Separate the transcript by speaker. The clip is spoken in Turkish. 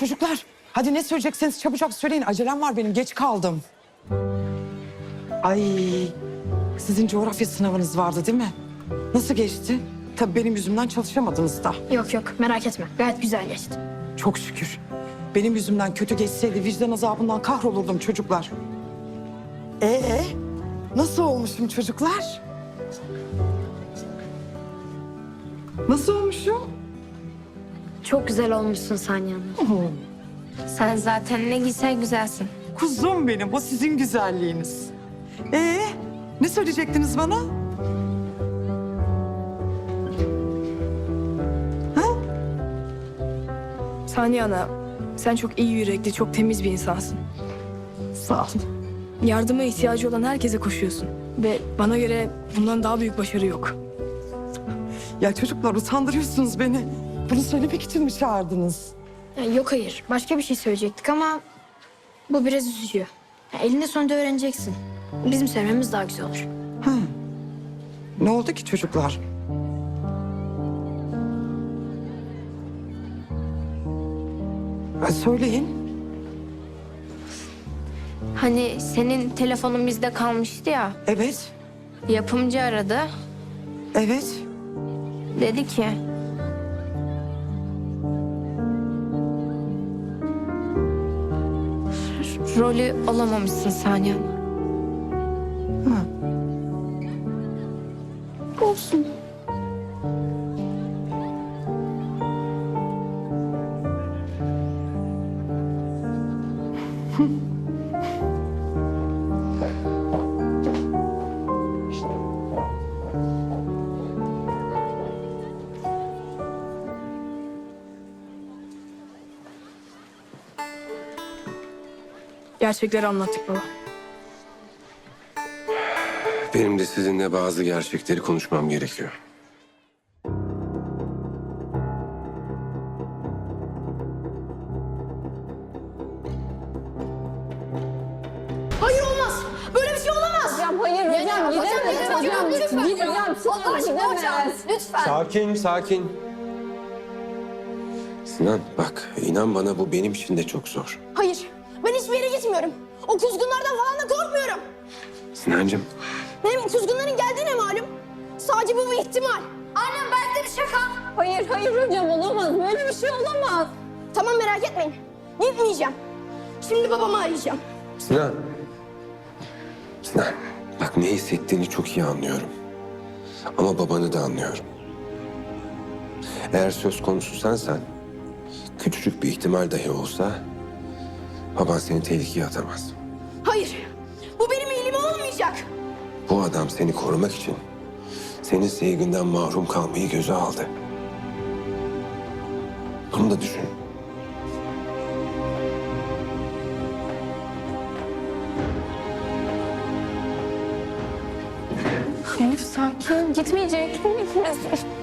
Speaker 1: çocuklar. Hadi ne söyleyecekseniz çabucak söyleyin. Acelem var benim. Geç kaldım. Ay, sizin coğrafya sınavınız vardı değil mi? Nasıl geçti? Tabii benim yüzümden çalışamadınız da.
Speaker 2: Yok yok merak etme. Gayet güzel geçti.
Speaker 1: Çok şükür. Benim yüzümden kötü geçseydi vicdan azabından kahrolurdum çocuklar. Nasıl olmuşum çocuklar? Nasıl olmuşum?
Speaker 2: Çok güzel olmuşsun Saniye Hanım.
Speaker 3: Sen zaten ne güzel güzelsin.
Speaker 1: Kuzum benim, o sizin güzelliğiniz. Ne söyleyecektiniz bana?
Speaker 4: Saniye Ana, sen çok iyi yürekli, çok temiz bir insansın.
Speaker 1: Sağ olun.
Speaker 4: Yardıma ihtiyacı olan herkese koşuyorsun. Ve bana göre bundan daha büyük başarı yok.
Speaker 1: Ya çocuklar utandırıyorsunuz beni. Bunu söylemek için mi çağırdınız?
Speaker 2: Yok hayır. Başka bir şey söyleyecektik ama bu biraz üzücü. Elinde sonunda öğreneceksin. Bizim söylememiz daha güzel olur.
Speaker 1: Ne oldu ki çocuklar? Söyleyin.
Speaker 3: Hani senin telefonun bizde kalmıştı ya.
Speaker 1: Evet,
Speaker 3: Yapımcı aradı.
Speaker 1: evet.
Speaker 3: Dedi ki rolü alamamışsın Saniye Hanım.
Speaker 2: Olsun.
Speaker 4: Gerçekleri anlattık baba.
Speaker 5: Benim de sizinle bazı gerçekleri konuşmam gerekiyor.
Speaker 2: Hayır olmaz. Böyle bir şey olamaz.
Speaker 6: Hocam hayır hocam gidemeyiz hocam. Gideceğim.
Speaker 2: Allah aşkına hocam. Lütfen.
Speaker 5: Sakin, sakin. Sinan bak, inan bana bu benim için de çok zor.
Speaker 2: Hayır. Ben hiçbir yere gitmiyorum. O kuzgunlardan falan da korkmuyorum.
Speaker 5: Sinancığım,
Speaker 2: Benim kuzgunların geldiğine malum. Sadece bu bir ihtimal. Annem belki de bir şaka.
Speaker 6: Hayır hocam olamaz. Böyle bir şey olamaz.
Speaker 2: Tamam merak etmeyin. Gitmeyeceğim. Şimdi babamı arayacağım.
Speaker 5: Sinan. Sinan, bak ne hissettiğini çok iyi anlıyorum. Ama babanı da anlıyorum. Eğer söz konusu sensen, küçücük bir ihtimal dahi olsa baban seni tehlikeye atamaz.
Speaker 2: Hayır. Bu benim iyiliğime olmayacak.
Speaker 5: Bu adam seni korumak için senin sevginden mahrum kalmayı göze aldı. Bunu da düşün.
Speaker 3: Elif sakin, gitmeyecek.